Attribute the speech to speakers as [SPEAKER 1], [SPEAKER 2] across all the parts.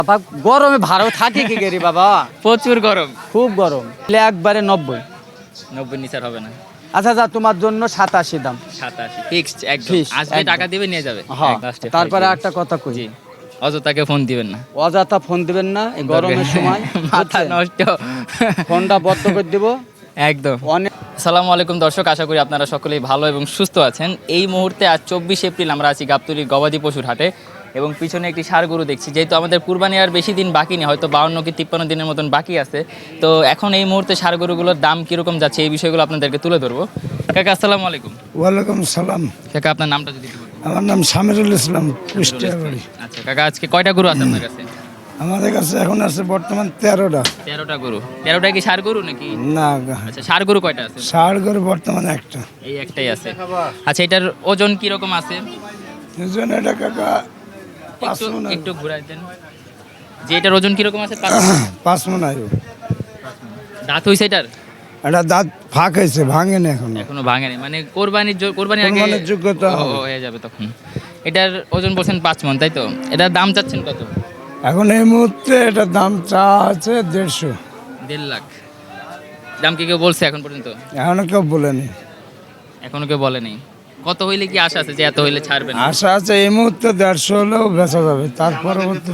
[SPEAKER 1] বাবা গরমে ভালো থাকে কি গেরি বাবা?
[SPEAKER 2] প্রচুর গরম।
[SPEAKER 1] খুব গরম। একবারে 90।
[SPEAKER 2] 90 নিচার হবে না।
[SPEAKER 1] আচ্ছা যা তোমার জন্য 87 দাম।
[SPEAKER 2] 87 ফিক্সড একদম।
[SPEAKER 1] Fixed,
[SPEAKER 2] আসবে
[SPEAKER 1] একদম।
[SPEAKER 2] টাকা দিবে নিয়ে যাবে।
[SPEAKER 1] হ্যাঁ,
[SPEAKER 2] লাস্টে
[SPEAKER 1] তারপরে
[SPEAKER 2] ফাইনাল।
[SPEAKER 1] একটা কথা কই।
[SPEAKER 2] জি। অযথাকে ফোন দিবেন না।
[SPEAKER 1] অযথা ফোন দিবেন না এই গরমের সময়।
[SPEAKER 2] মাথা
[SPEAKER 1] বুঝছেন?
[SPEAKER 2] নষ্ট।
[SPEAKER 1] ফোনটা বন্ধ করে দিব।
[SPEAKER 2] একদম।
[SPEAKER 1] অনেক
[SPEAKER 2] আসসালামু আলাইকুম দর্শক, আশা করি আপনারা সকলেই ভালো এবং সুস্থ আছেন। এই মুহূর্তে আজ 24 এপ্রিল আমরা আছি গাবতলী গবাদি পশুর হাটে এবং পিছনে একটি ষাঁড় গরু দেখছি। যেহেতু আমাদের কুরবানি আর বেশি দিন বাকি নেই, হয়তো 52 কি 53 দিনের মতন বাকি আছে, তো এখন এই মুহূর্তে ষাঁড় গরুগুলোর দাম কীরকম যাচ্ছে এই বিষয়গুলো আপনাদেরকে তুলে ধরবো। কাকা আসসালামু আলাইকুম।
[SPEAKER 3] ওয়ালাইকুম সালাম।
[SPEAKER 2] কাকা আপনার নামটা যদি একটু বলতেন।
[SPEAKER 3] আমার নাম সামিরুল ইসলাম, কুষ্টিয়া বাড়ি।
[SPEAKER 2] আচ্ছা কাকা, আজকে কয়টা গরু আছে আপনার কাছে?
[SPEAKER 3] আমাদের কাছে এখন আছে বর্তমান 13টা।
[SPEAKER 2] 13টা গরু। 13টা কি ষাঁড় গরু নাকি?
[SPEAKER 3] না,
[SPEAKER 2] আচ্ছা, ষাঁড় গরু কয়টা আছে?
[SPEAKER 3] ষাড় করে বর্তমানে একটা।
[SPEAKER 2] এই একটাই আছে। আচ্ছা, এটার ওজন কি রকম আছে?
[SPEAKER 3] দুজন এটা কাকা
[SPEAKER 2] একটু একটু ঘুরাই দেন। যে এটার ওজন কি রকম আছে?
[SPEAKER 3] 5 মণ আয়ু।
[SPEAKER 2] দাঁত হইছে এটার?
[SPEAKER 3] এটা দাঁত ফাঁক হয়েছে, ভাঙেনি এখনো।
[SPEAKER 2] এখনো ভাঙেনি, মানে কোরবানির কোরবানির আগে
[SPEAKER 3] কোরবানির যোগ্যতা হবে।
[SPEAKER 2] হয়ে যাবে তখন। এটার ওজন বলছেন 5 মণ, তাই তো? এটার দাম চাচ্ছেন কত?
[SPEAKER 3] এখন এই মুহূর্তে এটার দাম চা আছে 150।
[SPEAKER 2] 1.5 লাখ দাম কি কেউ বলছে এখন পর্যন্ত?
[SPEAKER 3] এখনো কেউ বলেনি।
[SPEAKER 2] এখনো কেউ বলেনি। কত হইলে কি আশা আছে যে এত হইলে ছাড়বেন?
[SPEAKER 3] আশা আছে এই মুহূর্তে 150 হলেও বেচা যাবে, তার পরবর্তী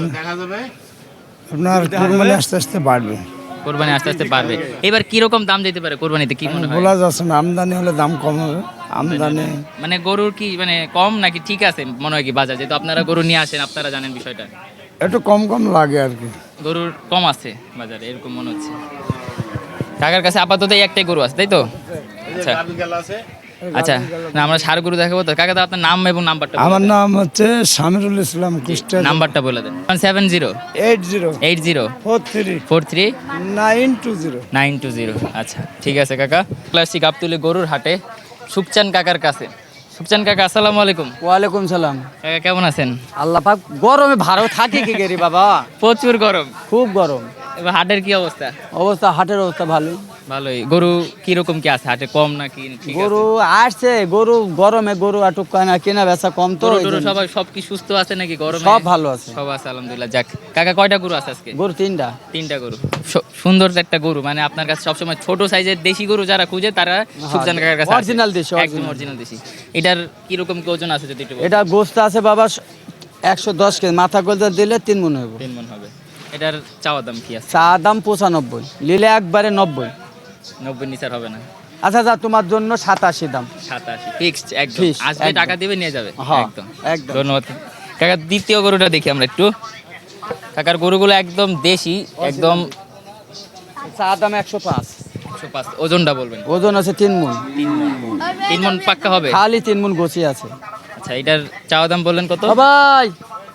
[SPEAKER 3] আপনার কোরবানি আস্তে আস্তে বাড়বে।
[SPEAKER 2] কোরবানি আস্তে আস্তে বাড়বে। এবার কি রকম দাম যেতে পারে কোরবানিতে, কি মনে হয়?
[SPEAKER 3] বলা যাচ্ছে না, আমদানি হলে দাম কম হবে। আমদানি
[SPEAKER 2] মানে গরুর কি মানে কম নাকি ঠিক আছে মনে হয় কি বাজার? যেহেতু আপনারা গরু নিয়ে আসেন, আপনারা জানেন বিষয়টা।
[SPEAKER 3] একটু কম কম লাগে আর কি।
[SPEAKER 2] গরুর কম আছে বাজারে এরকম মনে হচ্ছে। কাকার কাছে আপাতত এই একটাই গরু আছে, তাই তো? আচ্ছা আচ্ছা, না আমরা ষাঁড় গরু দেখাবো তো। কাকা, তো আপনার নাম এবং নাম্বারটা বলে
[SPEAKER 3] আমার
[SPEAKER 2] দেন।
[SPEAKER 3] নাম হচ্ছে সামিরুল ইসলাম, কুষ্টিয়া।
[SPEAKER 2] নাম্বারটা বলে দেন। 70
[SPEAKER 3] 80
[SPEAKER 2] 80
[SPEAKER 3] 43
[SPEAKER 2] 43
[SPEAKER 3] 920।
[SPEAKER 2] 920। আচ্ছা ঠিক আছে কাকা। ক্লাসিক গাবতলী গরুর হাটে সুকচান কাকার কাছে। সুকচান কাকা আসসালামু আলাইকুম।
[SPEAKER 1] ওয়ালাইকুম সালাম।
[SPEAKER 2] কাকা কেমন আছেন?
[SPEAKER 1] আল্লাহ পাক গরমে ভালো থাকে কি গেরি বাবা?
[SPEAKER 2] প্রচুর গরম।
[SPEAKER 1] খুব গরম।
[SPEAKER 2] এবার হাটের কি অবস্থা?
[SPEAKER 1] অবস্থা হাটের অবস্থা ভালোই।
[SPEAKER 2] ভালোই। গরু কি রকম কি আছে হাটে, কম নাকি ঠিক আছে?
[SPEAKER 1] গরু আসছে, গরু গরমে গরু আটক না, কেনা বেচা কম তো।
[SPEAKER 2] গরু
[SPEAKER 1] এই
[SPEAKER 2] টরু
[SPEAKER 1] জন্য।
[SPEAKER 2] সবাই সব কি সুস্থ আছে নাকি গরমে?
[SPEAKER 1] সব ভালো আছে।
[SPEAKER 2] সব আছে আলহামদুলিল্লাহ। যাক কাকা, কয়টা গরু আছে আজকে?
[SPEAKER 1] গরু 3টা।
[SPEAKER 2] 3টা গরু। সুন্দর একটা গরু, মানে আপনার কাছে সবসময় ছোট সাইজের দেশি গরু যারা খুঁজে তারা সুকচান কাকার কাছে আসে।
[SPEAKER 1] অরিজিনাল দেশি,
[SPEAKER 2] একদম
[SPEAKER 1] original।
[SPEAKER 2] অরিজিনাল দেশি। এটার কি রকম কি ওজন আছে যদি একটু বলেন?
[SPEAKER 1] এটা গোস্ত আছে বাবা 110 কেজি, মাথা গোলদা দিলে 3 মণ হইব।
[SPEAKER 2] 3 মণ হবে। এটার চাওয়া দাম কি আছে?
[SPEAKER 1] চা দাম 95, নিলে একবারে 90।
[SPEAKER 2] 90 নিচার হবে না।
[SPEAKER 1] আচ্ছা যা তোমার জন্য 87 দাম।
[SPEAKER 2] 87 ফিক্সড একদম।
[SPEAKER 1] Fixed,
[SPEAKER 2] আসবে
[SPEAKER 1] একদম।
[SPEAKER 2] টাকা দিবে নিয়ে যাবে।
[SPEAKER 1] হ্যাঁ,
[SPEAKER 2] একদম
[SPEAKER 1] একদম।
[SPEAKER 2] ধন্যবাদ কাকা। দ্বিতীয় গরুটা দেখি আমরা একটু। কাকার গরুগুলো একদম দেশি, একদম
[SPEAKER 1] চা দাম 105।
[SPEAKER 2] 105। ওজনটা বলবেন।
[SPEAKER 1] ওজন আছে 3 মণ।
[SPEAKER 2] 3 মণ পাক্কা হবে?
[SPEAKER 1] খালি 3 মণ গোছি আছে।
[SPEAKER 2] আচ্ছা, এটার চাওয়া দাম বললেন কত?
[SPEAKER 1] ভাই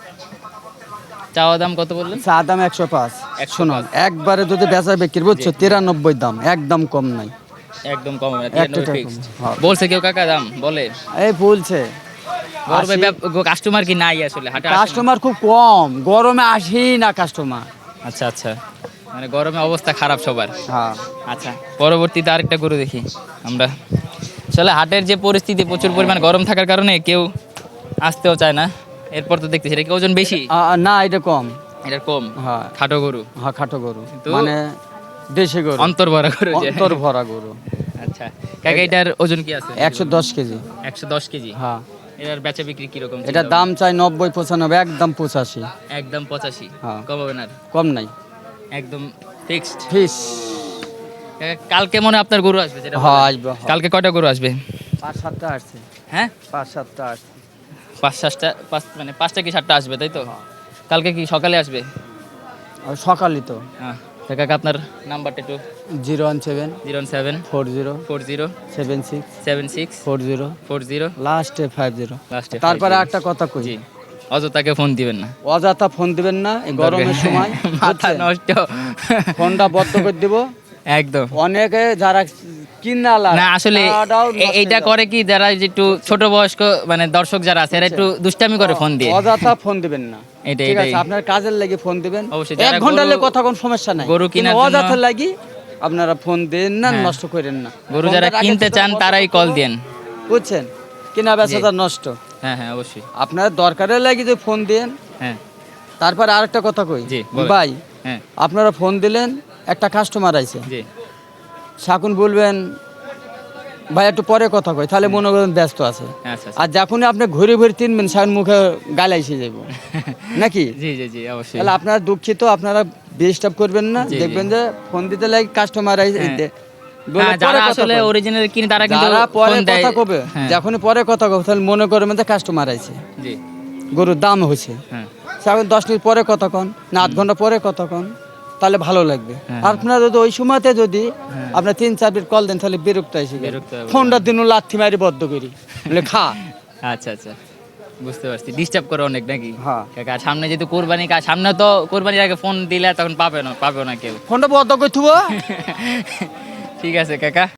[SPEAKER 2] চাওয়া দাম কত বললেন?
[SPEAKER 1] চা দাম 105।
[SPEAKER 2] 105
[SPEAKER 1] শোনো, একবারে যদি বেচা বিক্রি বুঝছো 93 দাম, একদম কম নাই।
[SPEAKER 2] একদম কম হবে না।
[SPEAKER 1] একটা
[SPEAKER 2] 93
[SPEAKER 1] টাকা
[SPEAKER 2] ফিক্সড।
[SPEAKER 1] কম, হ্যাঁ।
[SPEAKER 2] বলছে কেউ কাকা দাম বলে?
[SPEAKER 1] এই বলছে
[SPEAKER 2] গরমে কাস্টমার কি নাই আসলে হাটে? আসে না?
[SPEAKER 1] কাস্টমার খুব কম, গরমে আসি না কাস্টমার।
[SPEAKER 2] আচ্ছা আচ্ছা, মানে গরমে অবস্থা খারাপ সবার।
[SPEAKER 1] হ্যাঁ,
[SPEAKER 2] আচ্ছা, পরবর্তীতে আরেকটা গরু দেখি আমরা। আসলে হাটের যে পরিস্থিতি, প্রচুর পরিমাণ গরম থাকার কারণে কেউ আসতেও চায় না। এরপর তো দেখতেছি এটা কি ওজন বেশি?
[SPEAKER 1] না এটা কম।
[SPEAKER 2] এটা কম।
[SPEAKER 1] হ্যাঁ,
[SPEAKER 2] খাটো গরু।
[SPEAKER 1] হ্যাঁ খাটো গরু,
[SPEAKER 2] কিন্তু
[SPEAKER 1] মানে দেশি গরু,
[SPEAKER 2] অন্তর ভরা গরু যে।
[SPEAKER 1] অন্তর ভরা গরু।
[SPEAKER 2] আচ্ছা কাকা, এটার ওজন কি আছে?
[SPEAKER 1] 110 কেজি।
[SPEAKER 2] 110 কেজি।
[SPEAKER 1] হ্যাঁ,
[SPEAKER 2] এটার বেচা বিক্রি কিরকম?
[SPEAKER 1] এটার দাম চাই 90 95, একদম 85।
[SPEAKER 2] একদম 85।
[SPEAKER 1] হ্যাঁ।
[SPEAKER 2] কম হবে না?
[SPEAKER 1] কম নাই,
[SPEAKER 2] একদম ফিক্সড।
[SPEAKER 1] ফিস।
[SPEAKER 2] কালকে মনে হয় আপনার গরু আসবে যেটা
[SPEAKER 1] হ্যাঁ
[SPEAKER 2] বললেন।
[SPEAKER 1] আসবে, হ্যাঁ।
[SPEAKER 2] কালকে কয়টা গরু আসবে?
[SPEAKER 1] 5-7টা আসছে।
[SPEAKER 2] হ্যাঁ,
[SPEAKER 1] 5-7টা আসছে।
[SPEAKER 2] 5-7টা, মানে 5টা কি 7টা আসবে, তাই তো? কালকে কি সকালে আসবে?
[SPEAKER 1] আর সকালই তো।
[SPEAKER 2] হ্যাঁ। তো কাকা আপনার নাম্বারটা একটু।
[SPEAKER 1] 017
[SPEAKER 2] 07
[SPEAKER 1] 40
[SPEAKER 2] 40
[SPEAKER 1] 76
[SPEAKER 2] 76
[SPEAKER 1] 40
[SPEAKER 2] 40
[SPEAKER 1] লাস্টে 50।
[SPEAKER 2] লাস্টে।
[SPEAKER 1] তারপরে একটা কথা কই,
[SPEAKER 2] জি, অযথাকে ফোন দিবেন না।
[SPEAKER 1] অযথা ফোন দিবেন না এই গরমের সময়।
[SPEAKER 2] মাথা
[SPEAKER 1] বুঝছেন?
[SPEAKER 2] নষ্ট।
[SPEAKER 1] ফোনটা বন্ধ করে দিব।
[SPEAKER 2] একদম
[SPEAKER 1] অনেকে যারা কিনা
[SPEAKER 2] না আসলে এইটা করে কি, যারা যে একটু ছোট বয়স্ক মানে দর্শক যারা আছে এরা একটু দুষ্টামি করে ফোন দিয়ে।
[SPEAKER 1] অযথা ফোন দিবেন না।
[SPEAKER 2] এটাই,
[SPEAKER 1] ঠিক আছে,
[SPEAKER 2] এটাই।
[SPEAKER 1] আপনার কাজের লাগি ফোন দিবেন।
[SPEAKER 2] অবশ্যই,
[SPEAKER 1] 1
[SPEAKER 2] যারা
[SPEAKER 1] ঘন্টা
[SPEAKER 2] গরু-
[SPEAKER 1] লাগি কথা কোন সমস্যা নাই।
[SPEAKER 2] গরু
[SPEAKER 1] কিন্তু
[SPEAKER 2] কেনার জন্য-
[SPEAKER 1] অযথা লাগি আপনারা ফোন দেন না,
[SPEAKER 2] হ্যাঁ।
[SPEAKER 1] নষ্ট করেন না।
[SPEAKER 2] গরু
[SPEAKER 1] ফোনটা
[SPEAKER 2] যারা
[SPEAKER 1] রাখেন
[SPEAKER 2] কিনতে
[SPEAKER 1] শুধু
[SPEAKER 2] চান
[SPEAKER 1] বন্ধ
[SPEAKER 2] তারাই
[SPEAKER 1] করে
[SPEAKER 2] কল
[SPEAKER 1] দেবো।
[SPEAKER 2] দেন।
[SPEAKER 1] বুঝছেন, কিনা বেচাটা নষ্ট।
[SPEAKER 2] হ্যাঁ হ্যাঁ অবশ্যই।
[SPEAKER 1] আপনার দরকারের লাগি যে ফোন দেন,
[SPEAKER 2] হ্যাঁ
[SPEAKER 1] তারপর আরেকটা কথা কই
[SPEAKER 2] জি, বলেন।
[SPEAKER 1] ভাই,
[SPEAKER 2] হ্যাঁ
[SPEAKER 1] আপনারা ফোন দিলেন, একটা কাস্টমার আইছে,
[SPEAKER 2] জি
[SPEAKER 1] শাকুন বলবেন ভাই একটু পরে কথা কই, তাহলে মনে করেন ব্যস্ত আছে।
[SPEAKER 2] আচ্ছা আচ্ছা।
[SPEAKER 1] আর যখনই আপনি ঘুরে ঘুরে তিনবেন, শাকুন মুখে গাল এসে যাব নাকি?
[SPEAKER 2] জি জি জি অবশ্যই।
[SPEAKER 1] তাহলে আপনারা দুঃখিত, আপনারা ডিস্টার্ব করবেন না।
[SPEAKER 2] জি, জি।
[SPEAKER 1] দেখবেন যে ফোন দিতে লাগে কাস্টমার আইছে,
[SPEAKER 2] হ্যাঁ।
[SPEAKER 1] বলে
[SPEAKER 2] হ্যাঁ,
[SPEAKER 1] পরে
[SPEAKER 2] যারা
[SPEAKER 1] কথা
[SPEAKER 2] আসলে
[SPEAKER 1] কই।
[SPEAKER 2] অরিজিনাল কিনে তারা কিন্তু
[SPEAKER 1] যারা পরে
[SPEAKER 2] ফোন দেয়।
[SPEAKER 1] কথা কবে,
[SPEAKER 2] হ্যাঁ,
[SPEAKER 1] যখনই পরে কথা কবে, তাহলে মনে করবেন যে কাস্টমার আইছে,
[SPEAKER 2] জি
[SPEAKER 1] গরুর দাম হয়েছে।
[SPEAKER 2] হ্যাঁ
[SPEAKER 1] এখন 10 মিনিট পরে কথা কন না 8 ঘন্টা পরে কথা কন, তাহলে ভালো লাগবে।
[SPEAKER 2] হ্যাঁ।
[SPEAKER 1] আর আপনারা যদি ওই সময়তে যদি আপনার 3-4 মিনিট কল দেন, তাহলে বিরক্ত এসে যাবে।
[SPEAKER 2] বিরক্ত হবে।
[SPEAKER 1] ফোনটা দিন লাথি মারি বদ্ধ করি, বলে খা।
[SPEAKER 2] আচ্ছা আচ্ছা, বুঝতে পারছি। ডিস্টার্ব করে অনেক নাকি?
[SPEAKER 1] হ্যাঁ।
[SPEAKER 2] কাকা সামনে যেহেতু কোরবানি, সামনে তো কোরবানির আগে ফোন দিলে তখন পাবে না কেউ।
[SPEAKER 1] ফোনটা বদ্ধ করে থুবো।
[SPEAKER 2] ঠিক আছে কাকা।